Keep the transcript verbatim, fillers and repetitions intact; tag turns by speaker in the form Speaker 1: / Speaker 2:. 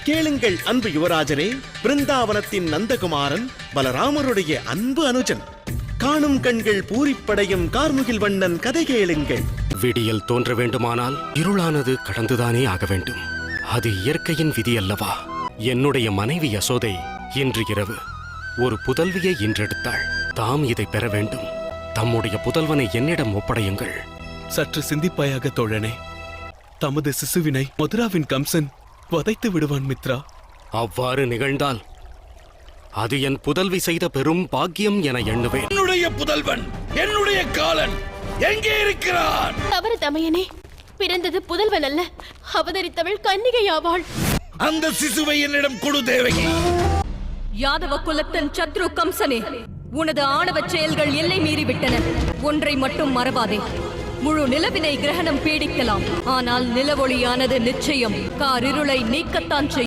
Speaker 1: கேளுங்கள் அன்பு யுவராஜரே, பிருந்தாவனத்தின் நந்தகுமாரன் பலராமருடைய அன்பு அனுஜன். காணும் கண்கள் பூரிப்படையும் கார்முகில் வண்ணன் கதை கேளுங்கள்.
Speaker 2: விடியல் தோன்ற வேண்டுமானால் இருளானது கடந்துதானே ஆக வேண்டும். அது இயற்கையின் விதி அல்லவா? என்னுடைய மனைவி யசோதை இன்று இரவு ஒரு புதல்வியை ஈன்றெடுத்தாள். தாம் இதை பெற வேண்டும். தம்முடைய புதல்வனை என்னிடம் ஒப்படையுங்கள்.
Speaker 3: சற்று சிந்திப்பாயாக தோழனே. தமது சிசுவினை மதுராவின் கம்சன் வதைத்து விடுவான் மித்ரா.
Speaker 2: அவ்வாறு நிகழ்ந்தால் அது என் புதல்வி செய்த பெரும் பாக்கியம் என எண்ணுவேன்.
Speaker 4: என்னுடைய புதல்வன், என்னுடைய காலன் எங்கே இருக்கிறான்?
Speaker 5: தவறு தமையனே, பிறந்தது புதல்வன் அல்ல, அவதரித்தவள் கன்னிகையாவாள்.
Speaker 4: அந்த சிசுவை என்னிடம் கொடு தேவகி.
Speaker 6: யாதவ குலத்தன் சத்ரு கம்சனே, உனது ஆணவச் செயல்கள் எல்லை மீறிவிட்டன. ஒன்றை மட்டும் மறவாதே, முழு நிலவினை கிரகணம் பீடிக்கலாம், ஆனால் நிலவொளியானது நிச்சயம் காரிருளை நீக்கத்தான் செய்யும்.